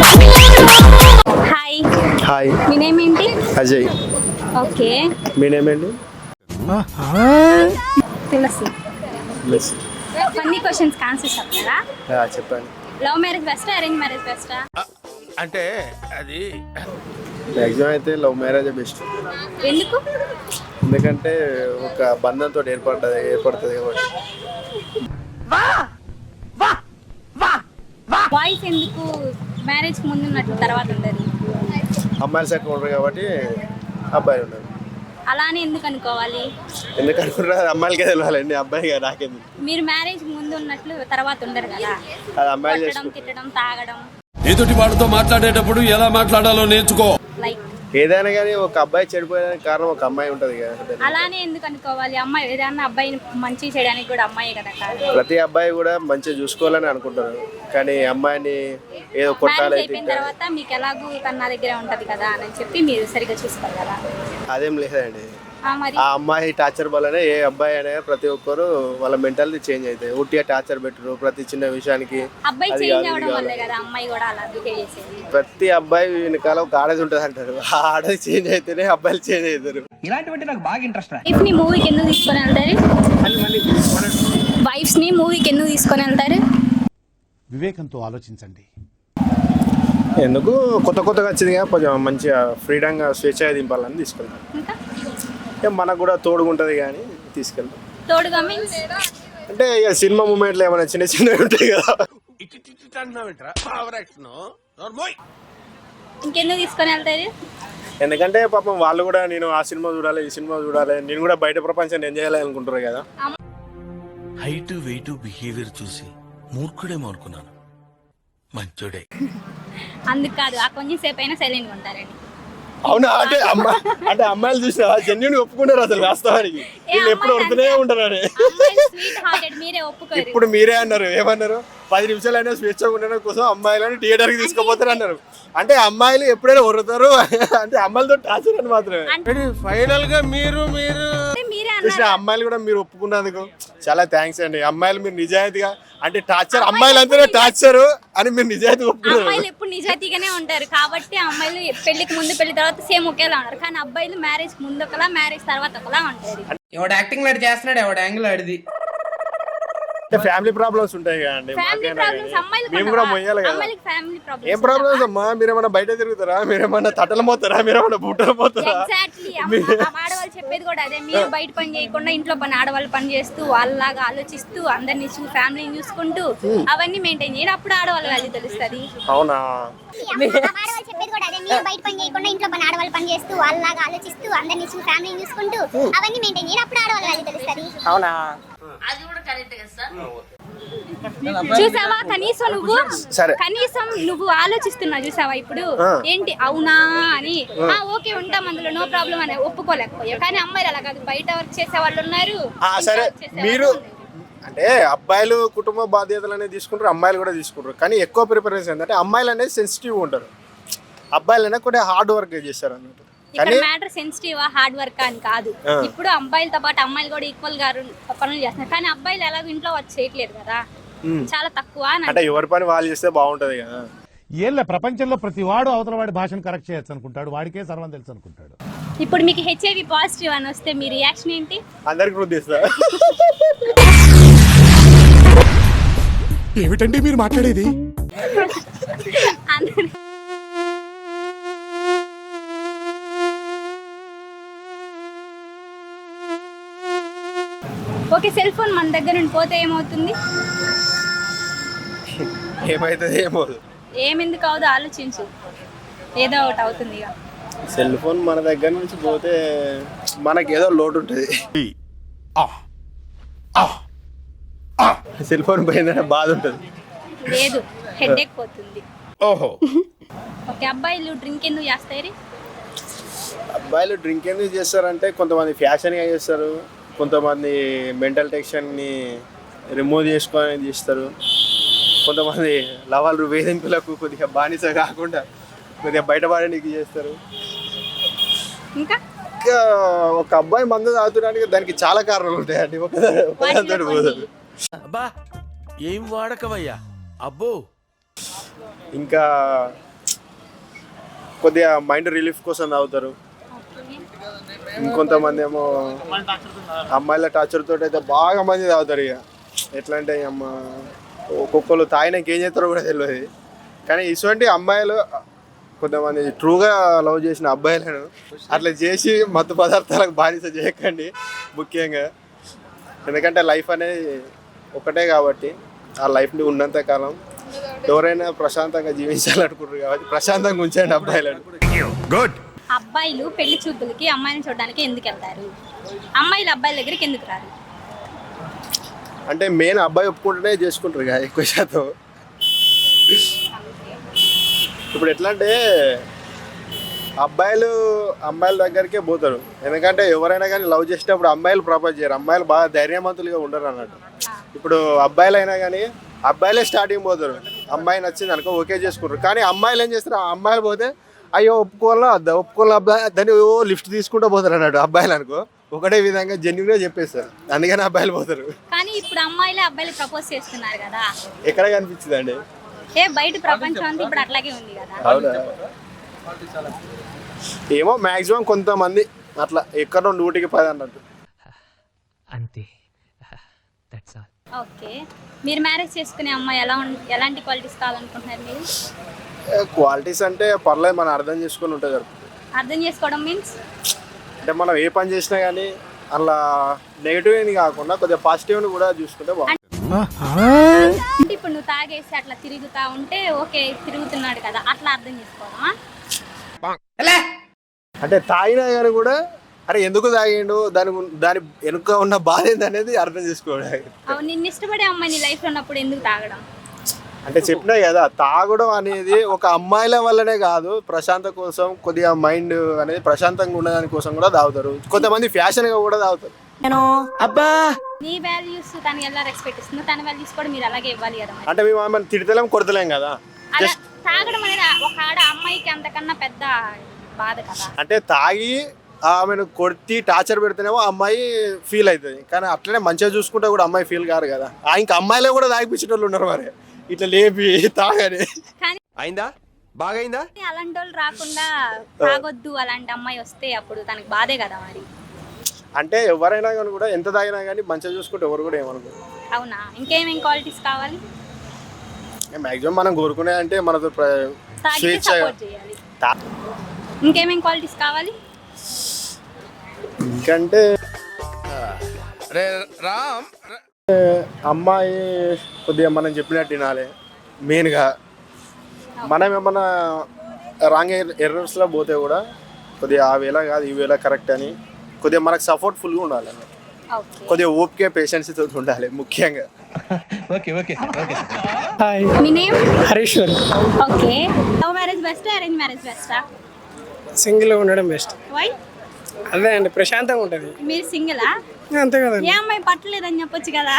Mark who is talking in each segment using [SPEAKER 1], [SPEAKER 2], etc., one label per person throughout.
[SPEAKER 1] Hi,
[SPEAKER 2] hi,
[SPEAKER 1] మీ name ఏంటి?
[SPEAKER 2] Ajay.
[SPEAKER 1] Okay,
[SPEAKER 2] మీ name ఏంటి?
[SPEAKER 1] Tulasi.
[SPEAKER 2] Miss.
[SPEAKER 1] Funny questions answer చెప్తారా?
[SPEAKER 2] చెప్పండి.
[SPEAKER 1] లవ్ మ్యారేజ్ బెస్టా, అరేంజ్ మ్యారేజ్ బెస్టా?
[SPEAKER 3] అంటే అది
[SPEAKER 2] మ్యాక్సిమం అయితే లవ్ మ్యారేజ్ బెస్ట్.
[SPEAKER 1] ఎందుకు?
[SPEAKER 2] ఎందుకంటే ఒక బంధంతో ఏర్పడుతుంది కాబట్టి.
[SPEAKER 1] బాయ్స్ ఎందుకు మ్యారేజ్ ముందు ఉన్నట్లు తర్వాత ఉండదు?
[SPEAKER 2] అమ్మాయిలు సైడ్ ఉండరు కాబట్టి అబ్బాయిలు ఉన్నారు.
[SPEAKER 1] అలానే ఎందుకు అనుకోవాలి?
[SPEAKER 2] ఎందుకు అనుకుంటారు? అమ్మాయిలకే తెలియాలండి, అబ్బాయి నాకేంది.
[SPEAKER 1] మీరు మ్యారేజ్ ముందు ఉన్నట్లు తర్వాత ఉండరు కదా.
[SPEAKER 2] అది అమ్మాయిలు
[SPEAKER 1] కొట్టడం,
[SPEAKER 2] చేసుకుంటారు.
[SPEAKER 1] తిట్టడం, తాగడం.
[SPEAKER 3] ఎదుటి వాడితో మాట్లాడేటప్పుడు ఎలా మాట్లాడాలో నేర్చుకో.
[SPEAKER 1] లైక్
[SPEAKER 2] ఏదైనా కానీ ఒక అబ్బాయి చెడిపోయడానికి కారణం ఒక అమ్మాయి ఉంటుంది కదా.
[SPEAKER 1] అలానే ఎందుకు అనుకోవాలి? అమ్మాయి ఏదైనా అబ్బాయిని మంచి చేయడానికి కూడా అమ్మాయి కదా కారణం.
[SPEAKER 2] ప్రతి అబ్బాయి కూడా మంచిగా చూసుకోవాలని అనుకుంటారు, కానీ అమ్మాయిని ఏదో కొట్టాలి
[SPEAKER 1] మ్యారేజ్ అయిపోయిన తర్వాత మీకు ఎలాగూ తన నా దగ్గరే ఉంటది కదా అని చెప్పి మీరు సరిగ్గా చూసుకోరు కదా.
[SPEAKER 2] అదేం లేదండి.
[SPEAKER 1] మరి
[SPEAKER 2] ఆ అమ్మాయి టార్చర్ వల్లనే ఏ అబ్బాయి అయినా ప్రతి ఒక్కరు వాళ్ళ మెంటాలిటీ చేంజ్ అవుతాయి. ఉట్టిగా టార్చర్ పెట్టరు ప్రతి చిన్న విషయానికి.
[SPEAKER 1] అబ్బాయి
[SPEAKER 2] అది
[SPEAKER 1] చేంజ్
[SPEAKER 2] కాదు,
[SPEAKER 1] అవ్వడం
[SPEAKER 2] ఇది
[SPEAKER 1] వల్లే
[SPEAKER 2] కాదు.
[SPEAKER 1] కదా అమ్మాయి కూడా అలా బిహేవ్ చేసేది.
[SPEAKER 2] ప్రతి అబ్బాయి వెనకాల ఒక ఆడది ఉంటుంది అంటారు. ఆ ఆడది చేంజ్ అయితేనే అబ్బాయిలు చేంజ్ అవుతారు.
[SPEAKER 4] ఇలాంటివంటే నాకు బాగా ఇంట్రెస్ట్ రా.
[SPEAKER 1] వైఫ్ ని మూవీకి ఎందుకు తీసుకొని వెళ్తారు? వైఫ్స్ ని మూవీకి ఎందుకు తీసుకొని వెళ్తారు?
[SPEAKER 5] వివేకంతో ఆలోచించండి.
[SPEAKER 2] ఎందుకు కొత్తగా వచ్చిందిగా, కొంచెం మంచిగా ఫ్రీడంగా స్వేచ్ఛగా దింపాలని తీసుకెళ్తాం.
[SPEAKER 1] ఇంకా
[SPEAKER 2] మనకు కూడా తోడుగా ఉంటుంది కానీ తీసుకెళ్తాం.
[SPEAKER 1] తోడుగా మీన్స్
[SPEAKER 2] అంటే ఇక సినిమా మూమెంట్లు ఏమైనా చిన్నవి ఉంటాయి కదా.
[SPEAKER 1] ఇంకెందుకు తీసుకొని వెళ్తారు?
[SPEAKER 2] ఎందుకంటే పాపం వాళ్ళు కూడా నేను ఆ సినిమా చూడాలి, ఈ సినిమా చూడాలి, నేను కూడా బయట ప్రపంచాన్ని ఎంజాయ్ చేయాలి అనుకుంటారు కదా.
[SPEAKER 3] హైట్ వెయిట్ బిహేవియర్ చూసి మూర్ఖుడేమో అనుకున్నాను, మంచోడే.
[SPEAKER 1] అందుకు కాదు, ఆ కొంచెం సేపు అయినా సైలెంట్ ఉంటారండి.
[SPEAKER 2] అవునా? అంటే అమ్మాయిలు చూసినా జెన్యున్ ఒప్పుకున్నారు అసలు వాస్తవానికి. వీళ్ళు ఎప్పుడు వడుతూనే ఉంటారని.
[SPEAKER 1] స్వీట్ హార్టెడ్ మీరే ఒప్పుకోరు.
[SPEAKER 2] ఇప్పుడు మీరే అన్నారు, ఏమన్నారు? 10 నిమిషాలైనా స్వేచ్ఛగా ఉండడం కోసం అమ్మాయిలను థియేటర్కి తీసుకుపోతారు అన్నారు. అంటే అమ్మాయిలు ఎప్పుడైనా వరుతారు అంటే అమ్మాయిలతో టార్చర్ అని మాత్రమే.
[SPEAKER 3] ఫైనల్ గా మీరు
[SPEAKER 1] మీరే
[SPEAKER 2] చూసిన అమ్మాయిలు కూడా మీరు ఒప్పుకున్నందుకు చాలా థ్యాంక్స్ అండి. అమ్మాయిలు మీరు నిజాయితీగా, అంటే టార్చర్ అమ్మాయిలు అంతేనే టార్చర్ అని మీరు నిజాయితీ ఒప్పుకున్నారు.
[SPEAKER 1] అమ్మాయిలు ఎప్పుడు నిజాయితీగానే ఉంటారు కాబట్టి అమ్మాయిలు పెళ్లికి ముందు పెళ్లి తర్వాత సేమ్ ఒకేలా ఉంటారు. కానీ అబ్బాయిలు మ్యారేజ్ ముందు ఒకలా, మ్యారేజ్ తర్వాత ఒకలా ఉంటారు.
[SPEAKER 4] ఎవడు యాక్టింగ్ లాడి చేస్తున్నాడు, ఎవడు యాంగిల్ ఆడిది.
[SPEAKER 2] అంటే ఫ్యామిలీ ప్రాబ్లమ్స్ ఉంటాయి కదండి.
[SPEAKER 1] ఫ్యామిలీ ప్రాబ్లమ్స్ అమ్మాయిలకు
[SPEAKER 2] మేము కూడా మొయ్యాలి కదా.
[SPEAKER 1] అమ్మాయిలకు ఫ్యామిలీ ప్రాబ్లమ్స్
[SPEAKER 2] ఏం ప్రాబ్లమ్స్ అమ్మా? మీరేమన్నా బయట తిరుగుతారా? మీరేమన్నా తట్టలు మోతారా? మీరేమన్నా బూటలు మోతారా?
[SPEAKER 1] ఎగ్జాక్ట్లీ. ఆడవాళ్ళు చెప్పేది కూడా అదే. మీరు బయట పని చేయకుండా ఇంట్లో పని ఆడవాళ్ళు పని చేస్తూ వాళ్ళలాగా ఆలోచిస్తూ అందరినీ ఫ్యామిలీని చూసుకుంటూ అవన్నీ మెయింటైన్ చేయాలి. అప్పుడు ఆడవాళ్ళ వాల్యూ తెలుస్తుంది.
[SPEAKER 2] అవునా?
[SPEAKER 6] ఆడవాళ్ళు చెప్పేది కూడా అదే. మీరు బయట పని చేయకుండా ఇంట్లో పని ఆడవాళ్ళు పని చేస్తూ వాళ్ళలాగా ఆలోచిస్తూ అందరినీ ఫ్యామిలీని చూసుకుంటూ అవన్నీ మెయింటైన్ చేయాలి. అప్పుడు ఆడవాళ్ళ వాల్యూ తెలుస్తుంది.
[SPEAKER 2] అవునా?
[SPEAKER 1] చూసావా?
[SPEAKER 2] సరే.
[SPEAKER 1] కనీసం నువ్వు ఆలోచిస్తున్నావు చూసావా ఇప్పుడు ఏంటి అవునా అని. ఓకే ఉంటాం అందులో, నో ప్రాబ్లం అని ఒప్పుకోలేకపోయావు. కానీ అమ్మాయిలు అలా కాదు, బయట వర్క్ చేసే వాళ్ళు ఉన్నారు.
[SPEAKER 2] సరే, మీరు అంటే అబ్బాయిలు కుటుంబ బాధ్యతలు అనేది తీసుకుంటారు, అమ్మాయిలు కూడా తీసుకుంటారు. కానీ ఎక్కువ ప్రిఫరెన్స్ ఏంటంటే అమ్మాయిలు అనేది సెన్సిటివ్ ఉంటారు, అబ్బాయిలు అనేది కూడా హార్డ్ వర్క్ చేస్తారు అన్నట్టు.
[SPEAKER 1] ఇక్కడ మ్యాటర్ సెన్సిటివ్ హార్డ్ వర్క్ అని కాదు. ఇప్పుడు అబ్బాయిలతో పాటు అమ్మాయిలు కూడా ఈక్వల్ గా పనులు చేస్తున్నారు. కానీ అబ్బాయిలు ఎలాగో ఇంట్లో వచ్చి చేయట్లేదు కదా, చాలా తక్కువ.
[SPEAKER 2] అంటే ఎవరి పని వాళ్ళు చేస్తే బాగుంటది కదా.
[SPEAKER 5] ఏళ్ళ ప్రపంచంలో ప్రతి వాడు అవతల వాడి భాషను కరెక్ట్ చేయొచ్చు అనుకుంటాడు, వాడికే సర్వం తెలుసు అనుకుంటాడు.
[SPEAKER 1] ఇప్పుడు మీకు హెచ్ఐవి పాజిటివ్ అని వస్తే మీ రియాక్షన్ ఏంటి?
[SPEAKER 2] అందరికి వృద్ధిస్తా.
[SPEAKER 5] ఏమిటండి మీరు మాట్లాడేది?
[SPEAKER 1] ఓకే, సెల్ ఫోన్ మన దగ్గర నుండి పోతే ఏమవుతుంది?
[SPEAKER 2] ఏమైతుంది ఏమో.
[SPEAKER 1] ఏమెందుకు అవుదో ఆలోచించు, ఏదో ఒకటి అవుతుంది. ఇక
[SPEAKER 2] సెల్ ఫోన్ మన దగ్గర నుంచి పోతే మనకి ఏదో లోటు ఉంటుంది. సెల్ ఫోన్ పోయిందంటే బాధ ఉంటుంది.
[SPEAKER 1] లేదు, హెడేక్ పోతుంది.
[SPEAKER 2] ఓహో.
[SPEAKER 1] ఓకే, అబ్బాయిలు డ్రింక్ ఎందుకు చేస్తారు?
[SPEAKER 2] అబ్బాయిలు డ్రింక్ ఎందుకు చేస్తారంటే కొంతమంది ఫ్యాషన్గా చేస్తారు, కొంతమంది మెంటల్ టెన్షన్ని రిమూవ్ చేసుకొని చేస్తారు, కొంతమంది లవాలు వేధింపులకు కొద్దిగా బానిస కాకుండా కొద్దిగా బయటపడడానికి చేస్తారు.
[SPEAKER 1] ఇంకా
[SPEAKER 2] ఒక అబ్బాయి మందు తాగుతున్నానికి దానికి చాలా కారణాలు ఉంటాయండి. ఒకదానితో పోదు.
[SPEAKER 3] అబ్బా ఏం వాడకవయ్యా అబ్బో.
[SPEAKER 2] ఇంకా కొద్దిగా మైండ్ రిలీఫ్ కోసం తాగుతారు. ఇంకొంతమంది ఏమో అమ్మాయిల టార్చర్ తోటి అయితే బాగా మంది తాగుతారు. ఇక ఎట్లా అంటే అమ్మ ఒక్కొక్కరు తాగినాక ఏం చేస్తారో కూడా తెలియదు. కానీ ఇటువంటి అమ్మాయిలు కొంతమంది ట్రూగా లవ్ చేసిన అబ్బాయిలను అట్లా చేసి మత్తు పదార్థాలకు బానిస చేయకండి ముఖ్యంగా. ఎందుకంటే లైఫ్ అనేది ఒకటే కాబట్టి ఆ లైఫ్ని ఉన్నంత కాలం ఎవరైనా ప్రశాంతంగా జీవించాలనుకుంటారు కాబట్టి ప్రశాంతంగా ఉంచండి అబ్బాయిలను.
[SPEAKER 3] గుడ్.
[SPEAKER 1] అబ్బాయిలు పెళ్లి చూపులకి అమ్మాయిని చూడడానికి ఎందుకు వెళ్తారు? అమ్మాయిలు అబ్బాయిల దగ్గరికి ఎందుకు రారు?
[SPEAKER 2] అంటే మెయిన్ అబ్బాయి ఒప్పుకుంటేనే చేసుకుంటారు కదా ఎక్కువ శాతం. ఇప్పుడు ఎట్లా అంటే అమ్మాయిల దగ్గరికే పోతారు. ఎందుకంటే ఎవరైనా కానీ లవ్ చేసేటప్పుడు అమ్మాయిలు ప్రపోజ్ చేయరు. అమ్మాయిలు బాగా ధైర్యవంతులుగా ఉండరు అన్నట్టు. ఇప్పుడు అబ్బాయిలు అయినా కానీ అబ్బాయిలే స్టార్టింగ్ పోతారు. అమ్మాయి నచ్చింది అనుకో ఓకే చేసుకుంటారు. కానీ అమ్మాయిలు ఏం చేస్తారు, ఆ అమ్మాయిలు పోతే అయ్యో ఒప్పుకోవాలా అబ్బాయి దాన్ని లిఫ్ట్ తీసుకుంటూ పోతారు అన్నట్టు. అబ్బాయిలు అనుకో ఒకటే విధంగా జెన్యున్గా చెప్పేస్తారు. అందుకని అబ్బాయిలు పోతారు.
[SPEAKER 1] కానీ ఇప్పుడు అమ్మాయిలే అబ్బాయిలు ప్రపోజ్ చేస్తున్నారు కదా,
[SPEAKER 2] ఎక్కడ కనిపించిందండి?
[SPEAKER 1] బయట ప్రపంచం అంతా ఇప్పుడు అట్లాగే ఉంది కదా.
[SPEAKER 2] అవునా? ఏమో మ్యాక్సిమం కొంతమంది అట్లా ఎక్కడో 100కి 10 అన్నట్టు.
[SPEAKER 7] అంతే. That's all.
[SPEAKER 1] ఓకే, మీరు మ్యారేజ్ చేసుకునే అమ్మాయి ఎలాంటి క్వాలిటీస్ కావాలనుకుంటున్నారు మీరు?
[SPEAKER 2] క్వాలిటీస్ అంటే పర్లేదు, మనం అర్థం చేసుకుని ఉంటే జరుగుతుంది.
[SPEAKER 1] అర్థం చేసుకోవడం మీన్స్
[SPEAKER 2] అంటే మనం ఏ పని చేసినా కానీ అలా నెగిటివ్ కాకుండా కొద్దిగా పాజిటివ్ని కూడా చూసుకుంటే బాగుంటుంది.
[SPEAKER 1] అంటే ఇప్పుడు నువ్వు తాగేసి అట్లా తిరుగుతా ఉంటే ఓకే తిరుగుతున్నాడు కదా, అట్లా అర్థం చేసుకోవడమా?
[SPEAKER 2] అంటే తాగినా కానీ కూడా అరే ఎందుకు తాగిండు, దాని వెనుక ఉన్న బాధ ఏందనేది అర్థం చేసుకోవడం.
[SPEAKER 1] నిన్ను ఇష్టపడే అమ్మాయి నీ లైఫ్లో ఉన్నప్పుడు ఎందుకు తాగడం?
[SPEAKER 2] అంటే చెప్పినా కదా, తాగడం అనేది ఒక అమ్మాయిల వల్లనే కాదు, ప్రశాంత కోసం కొద్దిగా మైండ్ అనేది ప్రశాంతంగా ఉండడానికి కోసం కూడా తాగుతారు. కొంతమంది ఫ్యాషన్గా కూడా తాగుతారు.
[SPEAKER 1] నీ వాల్యూస్ తను ఎలా రెస్పెక్ట్ ఇస్తుందో తన వాల్యూస్ కూడా మీరు అలాగే ఇవ్వాలి కదా.
[SPEAKER 2] అంటే మేము ఆమెను తిడతలేం కొడతలేం కదా.
[SPEAKER 1] అలా తాగడం అనేది ఒక అమ్మాయికి అంతకన్నా పెద్ద బాధ కదా.
[SPEAKER 2] అంటే తాగి ఆమెను కొట్టి టార్చర్ పెడితేనేమో అమ్మాయి ఫీల్ అవుతుంది. కానీ అట్లనే మంచిగా చూసుకుంటే కూడా అమ్మాయి ఫీల్ కాదు కదా. ఇంకా అమ్మాయిలే కూడా తాగిపించే వాళ్ళు ఉన్నారు మరి, ఇట్లా లేపి తాగని.
[SPEAKER 1] కానీ
[SPEAKER 3] అయిందా? బాగైందా?
[SPEAKER 1] అలాంటి వాళ్ళు రాకుండా తాగొద్దు అలాంటి అమ్మాయి వస్తే అప్పుడు తనకి బాధే కదా మరి.
[SPEAKER 2] అంటే ఎవరైనా కానీ కూడా ఎంత తాగినా కానీ మంచిగా చూసుకుంటే ఎవరు కూడా ఏమనుకోరు.
[SPEAKER 1] అవునా? ఇంకేమేం క్వాలిటీస్ కావాలి?
[SPEAKER 2] మ్యాక్సిమం మనం కోరుకునే అంటే మనతో స్వేచ్ఛ.
[SPEAKER 1] ఇంకేమేం క్వాలిటీస్ కావాలి?
[SPEAKER 2] ఇంకంటే
[SPEAKER 3] రామ్
[SPEAKER 2] అమ్మాయి కొద్దిగా మనం చెప్పినట్టు వినాలి మెయిన్గా. మనం ఏమన్నా రాంగ్ ఎర్రర్స్లో పోతే కూడా కొద్దిగా ఆ వేళ కాదు ఈ వేళ కరెక్ట్ అని కొద్దిగా మనకు సపోర్ట్ఫుల్గా ఉండాలి. కొద్దిగా ఓపిక పేషెన్స్ తోటి ఉండాలి ముఖ్యంగా.
[SPEAKER 1] మీ name?
[SPEAKER 8] Harish.
[SPEAKER 1] Okay, love marriage best, arrange marriage బెస్టా?
[SPEAKER 8] సింగిల్ ఉండడం బెస్ట్.
[SPEAKER 1] వై?
[SPEAKER 8] అదే అండి, ప్రశాంతంగా ఉంటుంది.
[SPEAKER 1] మీరు సింగిలా?
[SPEAKER 8] అంతే కదా.
[SPEAKER 1] ఏ అమ్మాయి పట్టలేదని చెప్పొచ్చు కదా.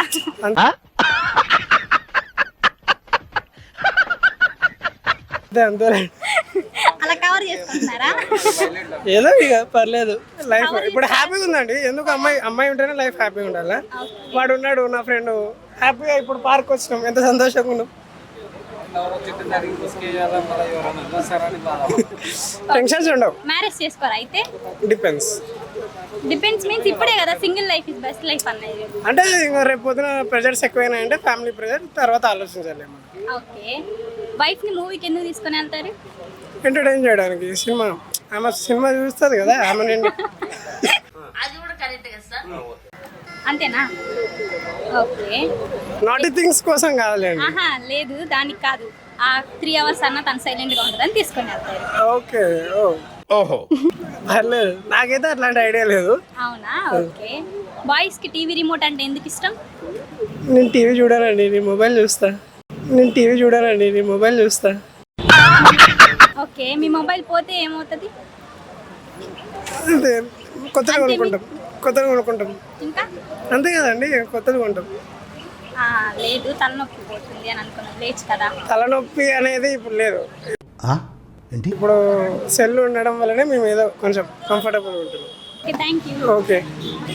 [SPEAKER 8] అంతే అంతే
[SPEAKER 1] అలా కవర్ చేసుకుంటున్నారా?
[SPEAKER 8] ఏదో ఇక పర్లేదు. లైఫ్ ఇప్పుడు హ్యాపీగా ఉందండి. ఎందుకు అమ్మాయి ఉంటేనే లైఫ్ హ్యాపీగా ఉండాలి. వాడు ఉన్నాడు నా ఫ్రెండ్, హ్యాపీగా ఇప్పుడు పార్క్ వచ్చినాం, ఎంత సంతోషంగా ఉన్నాం. టెన్షన్స్ ఉండవు.
[SPEAKER 1] మ్యారేజ్ చేసుకోరా అయితే?
[SPEAKER 8] డిపెండ్స్
[SPEAKER 1] మీన్స్ ఇప్పుడే కదా single life is best life అనేది.
[SPEAKER 8] అంటే ఇంకా రేపు పొద్దున ప్రెజర్స్ ఎక్కువైనా అంటే ఫ్యామిలీ ప్రెజర్ తర్వాత ఆలోచించాలి.
[SPEAKER 1] ఓకే, వైఫ్ ని మూవీకి ఎందుకు తీసుకొని వెళ్తారు?
[SPEAKER 8] ఎంటర్టైన్ చేయడానికి. ఆమె సినిమా చూస్తుంది కదా ఆమె.
[SPEAKER 1] అంతేనా? ఓకే,
[SPEAKER 8] నాటి థింగ్స్ కోసం కాదులేండి.
[SPEAKER 1] ఆహా లేదు, దానికి కాదు. ఆ 3 hours అన్న తను సైలెంట్ గా ఉంటుందని తీసుకొని వెళ్తారు.
[SPEAKER 8] ఓకే.
[SPEAKER 3] ఓహో,
[SPEAKER 8] పర్లేదు, నాకైతే అట్లాంటి ఐడియా లేదు.
[SPEAKER 1] అవునా? ఓకే, బాయ్స్ కి టీవీ రిమోట్ అంటే ఎందుకు ఇష్టం?
[SPEAKER 8] నేను టీవీ చూడానండి, నీ మొబైల్ చూస్తా.
[SPEAKER 1] ఓకే, మీ మొబైల్ పోతే ఏమవుతుంది?
[SPEAKER 8] అంతే, కొత్తగా కొనుక్కుంటాం.
[SPEAKER 1] ఇంకా
[SPEAKER 8] అంతే కదండి, కొత్తగా కొంటాం.
[SPEAKER 1] లేదు, తలనొప్పి పోతుంది అని అనుకున్నాను, లేచి కదా.
[SPEAKER 8] తలనొప్పి అనేది ఇప్పుడు లేదు. ఇప్పుడు సెల్ ఉండడం వల్లనే మేము ఏదో కొంచెం కంఫర్టబుల్ ఉంటున్నాం.
[SPEAKER 1] Okay, thank you.
[SPEAKER 8] ఓకే.